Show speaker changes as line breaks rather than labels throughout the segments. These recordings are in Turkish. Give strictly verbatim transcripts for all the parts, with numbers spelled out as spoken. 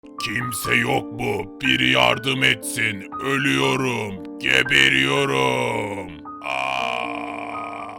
Kimse yok mu? Biri yardım etsin. Ölüyorum. Geberiyorum. Aa!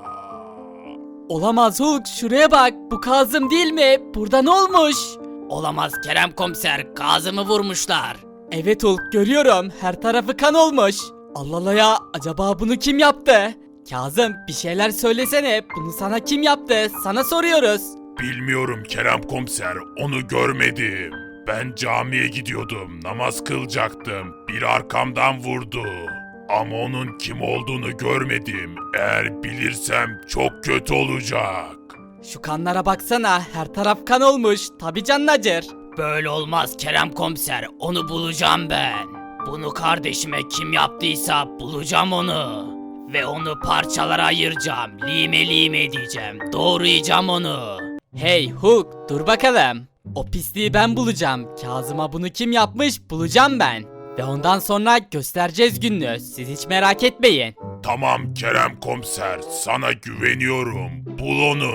Olamaz Hulk, şuraya bak, bu Kazım değil mi? Burada ne olmuş?
Olamaz Kerem komiser, Kazım'ı vurmuşlar.
Evet Hulk, görüyorum, her tarafı kan olmuş. Allah Allah ya, acaba bunu kim yaptı? Kazım, bir şeyler söylesene, bunu sana kim yaptı? Sana soruyoruz.
Bilmiyorum Kerem komiser. Onu görmedim. Ben camiye gidiyordum. Namaz kılacaktım. Biri arkamdan vurdu. Ama onun kim olduğunu görmedim. Eğer bilirsem çok kötü olacak.
Şu kanlara baksana, her taraf kan olmuş, tabi canın acır.
Böyle olmaz Kerem komiser, onu bulacağım ben. Bunu kardeşime kim yaptıysa bulacağım onu. Ve onu parçalara ayıracağım, lime lime edeceğim, doğrayacağım onu.
Hey Hulk, dur bakalım. O pisliği ben bulacağım. Kazım'a bunu kim yapmış bulacağım ben. Ve ondan sonra göstereceğiz gününü. Siz hiç merak etmeyin.
Tamam Kerem komiser. Sana güveniyorum. Bul onu.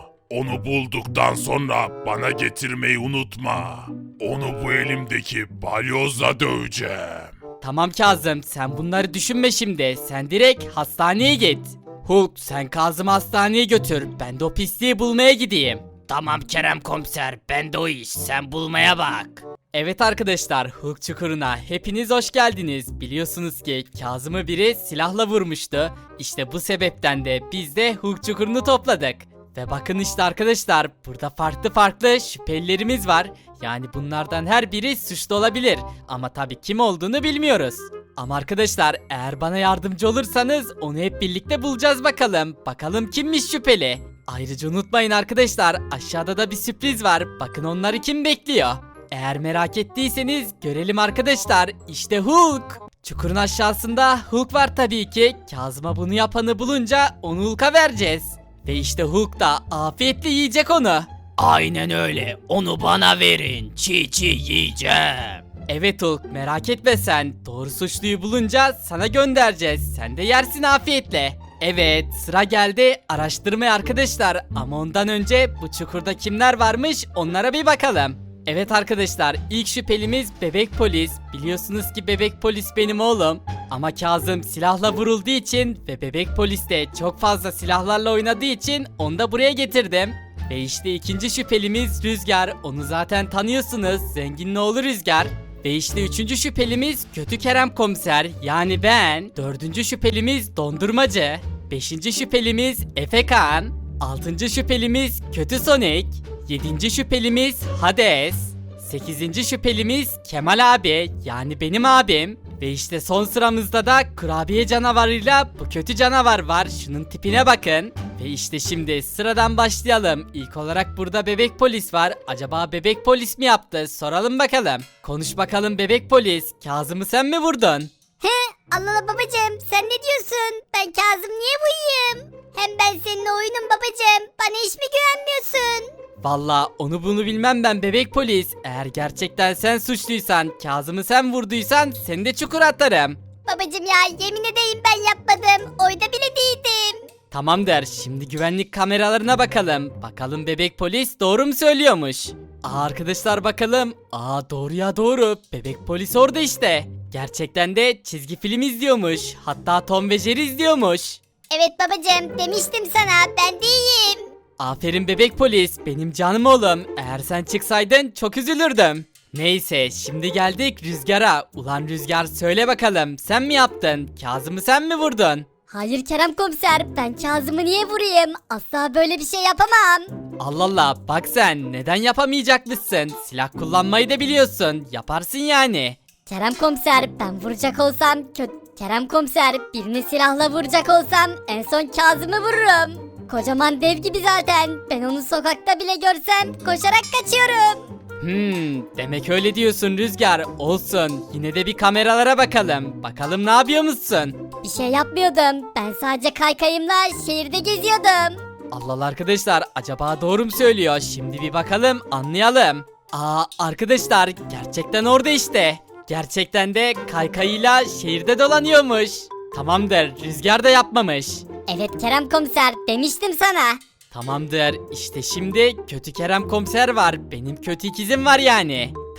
Onu bulduktan sonra bana getirmeyi unutma. Onu bu elimdeki balyozla döveceğim.
Tamam Kazım, sen bunları düşünme şimdi. Sen direkt hastaneye git. Hulk, sen Kazım'ı hastaneye götür. Ben de o pisliği bulmaya gideyim.
Tamam Kerem komiser, ben de o iş, sen bulmaya bak.
Evet arkadaşlar, Hulk Çukuru'na hepiniz hoş geldiniz. Biliyorsunuz ki Kazım'ı biri silahla vurmuştu. İşte bu sebepten de biz de Hulk Çukuru'nu topladık. Ve bakın işte arkadaşlar, burada farklı farklı şüphelilerimiz var. Yani bunlardan her biri suçlu olabilir. Ama tabii kim olduğunu bilmiyoruz. Ama arkadaşlar, eğer bana yardımcı olursanız onu hep birlikte bulacağız bakalım. Bakalım kimmiş şüpheli. Ayrıca unutmayın arkadaşlar, aşağıda da bir sürpriz var. Bakın onları kim bekliyor. Eğer merak ettiyseniz görelim arkadaşlar. İşte Hulk. Çukurun aşağısında Hulk var tabii ki. Kazım'a bunu yapanı bulunca onu Hulk'a vereceğiz. Ve işte Hulk da afiyetle yiyecek onu.
Aynen öyle, onu bana verin, çiğ çiğ yiyeceğim.
Evet Hulk, merak etme sen. Doğru suçluyu bulunca sana göndereceğiz. Sen de yersin afiyetle. Evet, sıra geldi araştırmaya arkadaşlar. Ama ondan önce bu çukurda kimler varmış onlara bir bakalım. Evet arkadaşlar, ilk şüphelimiz bebek polis. Biliyorsunuz ki bebek polis benim oğlum. Ama Kazım silahla vurulduğu için ve bebek polis de çok fazla silahlarla oynadığı için onu da buraya getirdim. Ve işte ikinci şüphelimiz Rüzgar. Onu zaten tanıyorsunuz. Zengin ne olur Rüzgar. Ve işte üçüncü şüphelimiz Kötü Kerem Komiser. Yani ben. Dördüncü şüphelimiz Dondurmacı. Beşinci şüphelimiz Efekan. Altıncı şüphelimiz Kötü Sonic. Yedinci şüphelimiz Hades. Sekizinci şüphelimiz Kemal abi. Yani benim abim. Ve işte son sıramızda da kurabiye canavarıyla bu kötü canavar var. Şunun tipine bakın. Ve işte şimdi sıradan başlayalım. İlk olarak burada bebek polis var. Acaba bebek polis mi yaptı? Soralım bakalım. Konuş bakalım bebek polis. Kazım'ı sen mi vurdun?
He, Allah Allah babacığım, sen ne diyorsun? Ben Kazım niye buyum? Hem ben seninle oyunum babacığım. Bana hiç mi güvenmiyorsun?
Valla onu bunu bilmem ben bebek polis. Eğer gerçekten sen suçluysan, Kazım'ı sen vurduysan seni de çukura atarım.
Babacığım ya, yemin edeyim ben yapmadım. Oyda bile değildim.
Tamam der. Şimdi güvenlik kameralarına bakalım. Bakalım bebek polis doğru mu söylüyormuş? Aa arkadaşlar bakalım. Aa doğru ya doğru. Bebek polis orada işte. Gerçekten de çizgi film izliyormuş. Hatta Tom ve Jerry izliyormuş.
Evet babacığım, demiştim sana, ben değilim.
Aferin bebek polis. Benim canım oğlum. Eğer sen çıksaydın çok üzülürdüm. Neyse şimdi geldik Rüzgar'a. Ulan Rüzgar söyle bakalım. Sen mi yaptın? Kazım'ı sen mi vurdun?
Hayır Kerem komiser, ben Kazım'ı niye vurayım? Asla böyle bir şey yapamam.
Allah Allah bak sen neden yapamayacakmışsın? Silah kullanmayı da biliyorsun. Yaparsın yani.
Kerem komiser, ben vuracak olsam kötü... Kerem komiser, birini silahla vuracak olsam en son Kazım'ı vururum. Kocaman dev gibi zaten. Ben onu sokakta bile görsem koşarak kaçıyorum.
Hmm, demek öyle diyorsun Rüzgar. Olsun. Yine de bir kameralara bakalım. Bakalım ne yapıyor musun?
Bir şey yapmıyordum. Ben sadece kaykayımla şehirde geziyordum.
Allah Allah arkadaşlar acaba doğru mu söylüyor? Şimdi bir bakalım anlayalım. Aa arkadaşlar gerçekten orada işte. Gerçekten de kaykayıyla şehirde dolanıyormuş. Tamamdır Rüzgar da yapmamış.
Evet Kerem komiser, demiştim sana.
Tamamdır işte şimdi kötü Kerem komiser var. Benim kötü ikizim var yani.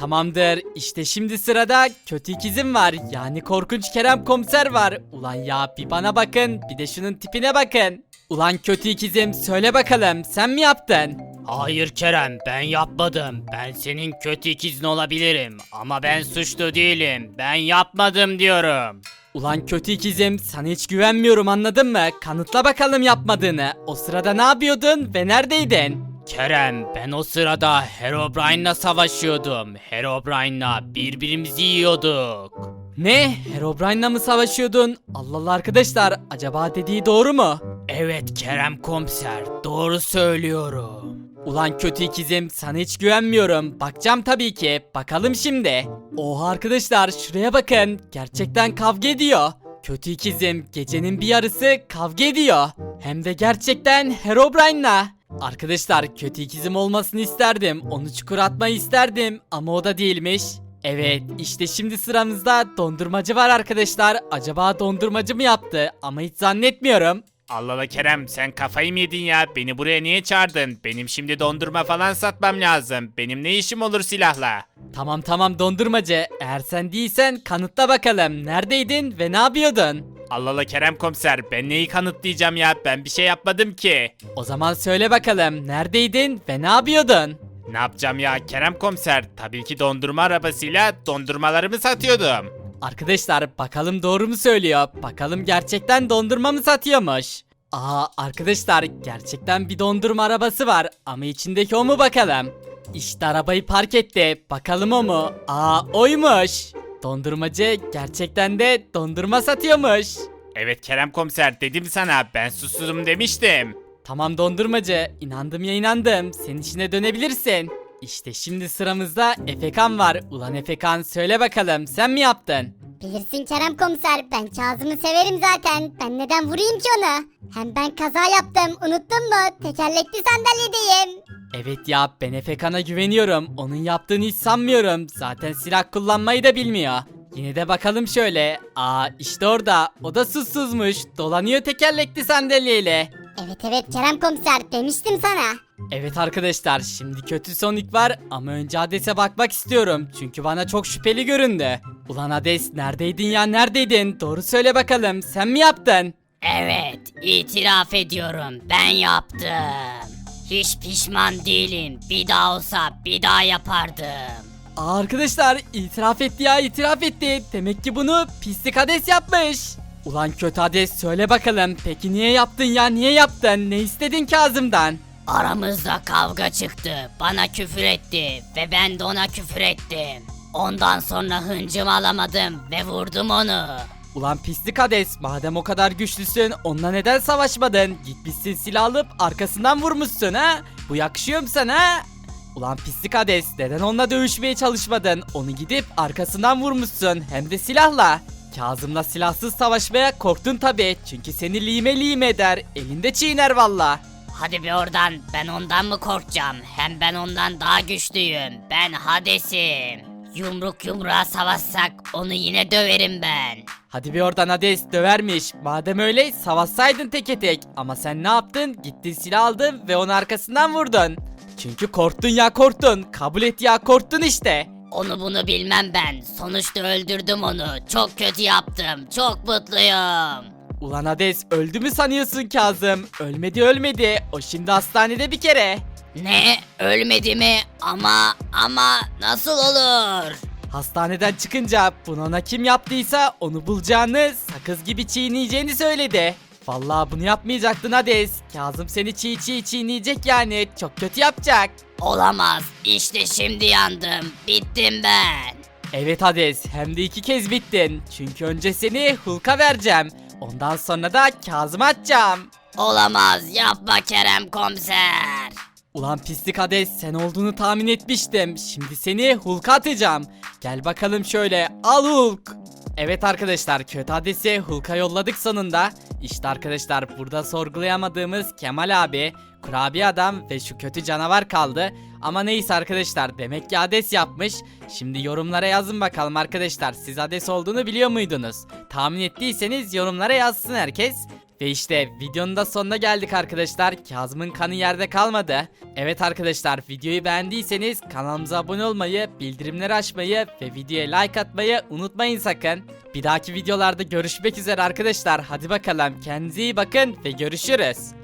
Tamamdır. İşte şimdi sırada kötü ikizim var. Yani korkunç Kerem komiser var. Ulan ya bir bana bakın, bir de şunun tipine bakın. Ulan kötü ikizim söyle bakalım sen mi yaptın?
Hayır Kerem, ben yapmadım. Ben senin kötü ikizin olabilirim ama ben suçlu değilim. Ben yapmadım diyorum.
Ulan kötü ikizim sana hiç güvenmiyorum anladın mı? Kanıtla bakalım yapmadığını. O sırada ne yapıyordun ve neredeydin?
Kerem, ben o sırada Herobrine'la savaşıyordum. Herobrine'la birbirimizi yiyorduk.
Ne? Herobrine'la mı savaşıyordun? Allah Allah arkadaşlar acaba dediği doğru mu?
Evet Kerem komiser, doğru söylüyorum.
Ulan kötü ikizim sana hiç güvenmiyorum. Bakacağım tabii ki. Bakalım şimdi. Oha arkadaşlar şuraya bakın. Gerçekten kavga ediyor. Kötü ikizim gecenin bir yarısı kavga ediyor. Hem de gerçekten Herobrine'la. Arkadaşlar kötü ikizim olmasını isterdim. Onu çukura atmayı isterdim. Ama o da değilmiş. Evet işte şimdi sıramızda dondurmacı var arkadaşlar. Acaba dondurmacı mı yaptı? Ama hiç zannetmiyorum.
Allah Allah Kerem, sen kafayı mı yedin ya? Beni buraya niye çağırdın? Benim şimdi dondurma falan satmam lazım. Benim ne işim olur silahla?
Tamam tamam dondurmacı. Eğer sen değilsen kanıtla bakalım. Neredeydin ve ne yapıyordun?
Allah Allah Kerem komiser, ben neyi kanıtlayacağım ya? Ben bir şey yapmadım ki.
O zaman söyle bakalım. Neredeydin ve ne yapıyordun?
Ne yapacağım ya Kerem komiser? Tabii ki dondurma arabasıyla dondurmalarımı satıyordum.
Arkadaşlar bakalım doğru mu söylüyor? Bakalım gerçekten dondurma mı satıyormuş? Aa arkadaşlar gerçekten bir dondurma arabası var ama içindeki o mu bakalım? İşte arabayı park etti. Bakalım o mu? Aa oymuş. Dondurmacı gerçekten de dondurma satıyormuş.
Evet Kerem komiser, dedim sana, ben susuzum demiştim.
Tamam dondurmacı, inandım ya inandım. Senin işine dönebilirsin. İşte şimdi sıramızda Efekan var. Ulan Efekan söyle bakalım sen mi yaptın?
Bilirsin Kerem komiser, ben Kazım'ı severim zaten. Ben neden vurayım ki onu? Hem ben kaza yaptım, unuttun mu? Tekerlekli sandalyedeyim.
Evet ya ben Efekan'a güveniyorum. Onun yaptığını hiç sanmıyorum. Zaten silah kullanmayı da bilmiyor. Yine de bakalım şöyle. Aa işte orada. O da susuzmuş. Dolanıyor tekerlekli sandalyeyle.
Evet evet Kerem komiser, demiştim sana.
Evet arkadaşlar şimdi kötü Sonic var ama önce Hades'e bakmak istiyorum. Çünkü bana çok şüpheli göründü. Ulan Hades neredeydin ya neredeydin? Doğru söyle bakalım sen mi yaptın?
Evet, itiraf ediyorum. Ben yaptım. Hiç pişman değilim. Bir daha olsa bir daha yapardım.
Aa, arkadaşlar itiraf etti ya itiraf etti. Demek ki bunu pislik Hades yapmış. Ulan kötü Hades söyle bakalım. Peki niye yaptın ya niye yaptın? Ne istedin Kazım'dan?
Aramızda kavga çıktı. Bana küfür etti ve ben de ona küfür ettim. Ondan sonra hıncımı alamadım ve vurdum onu.
Ulan pislik Hades madem o kadar güçlüsün onunla neden savaşmadın? Gitmişsin silah alıp arkasından vurmuşsun ha? Bu yakışıyor mu sana ha? Ulan pislik Hades neden onunla dövüşmeye çalışmadın? Onu gidip arkasından vurmuşsun hem de silahla. Kazım'la silahsız savaşmaya korktun tabi çünkü seni lime lime eder elinde çiğner valla.
Hadi bir oradan, ben ondan mı korkacağım? Hem ben ondan daha güçlüyüm. Ben Hades'im. Yumruk yumruğa savaşsak onu yine döverim ben.
Hadi bir oradan Hades dövermiş. Madem öyle savaşsaydın teke tek. Ama sen ne yaptın? Gittin silah aldın ve onu arkasından vurdun. Çünkü korktun ya korktun. Kabul et ya korktun işte.
Onu bunu bilmem ben. Sonuçta öldürdüm onu. Çok kötü yaptım. Çok mutluyum.
Ulan Hades öldü mü sanıyorsun Kazım? Ölmedi ölmedi. O şimdi hastanede bir kere.
Ne? Ölmedi mi? Ama ama nasıl olur?
Hastaneden çıkınca bunu ona kim yaptıysa onu bulacağını, sakız gibi çiğneyeceğini söyledi. Vallahi bunu yapmayacaktın Hades. Kazım seni çiğ çiğ çiğneyecek yani. Çok kötü yapacak.
Olamaz. İşte şimdi yandım. Bittim ben.
Evet Hades hem de iki kez bittin. Çünkü önce seni Hulk'a vereceğim. Ondan sonra da Kazım'a atacağım.
Olamaz. Yapma Kerem komiser.
Ulan pislik Hades sen olduğunu tahmin etmiştim. Şimdi seni Hulk'a atacağım. Gel bakalım şöyle al Hulk. Evet arkadaşlar kötü Hades'i Hulk'a yolladık sonunda. İşte arkadaşlar burada sorgulayamadığımız Kemal abi, Kurabiye adam ve şu kötü canavar kaldı. Ama neyse arkadaşlar demek ki Hades yapmış. Şimdi yorumlara yazın bakalım arkadaşlar siz Hades olduğunu biliyor muydunuz? Tahmin ettiyseniz yorumlara yazsın herkes. Ve işte videonun da sonuna geldik arkadaşlar. Kazım'ın kanı yerde kalmadı. Evet arkadaşlar, videoyu beğendiyseniz kanalımıza abone olmayı, bildirimleri açmayı ve videoya like atmayı unutmayın sakın. Bir dahaki videolarda görüşmek üzere arkadaşlar. Hadi bakalım, kendinize iyi bakın ve görüşürüz.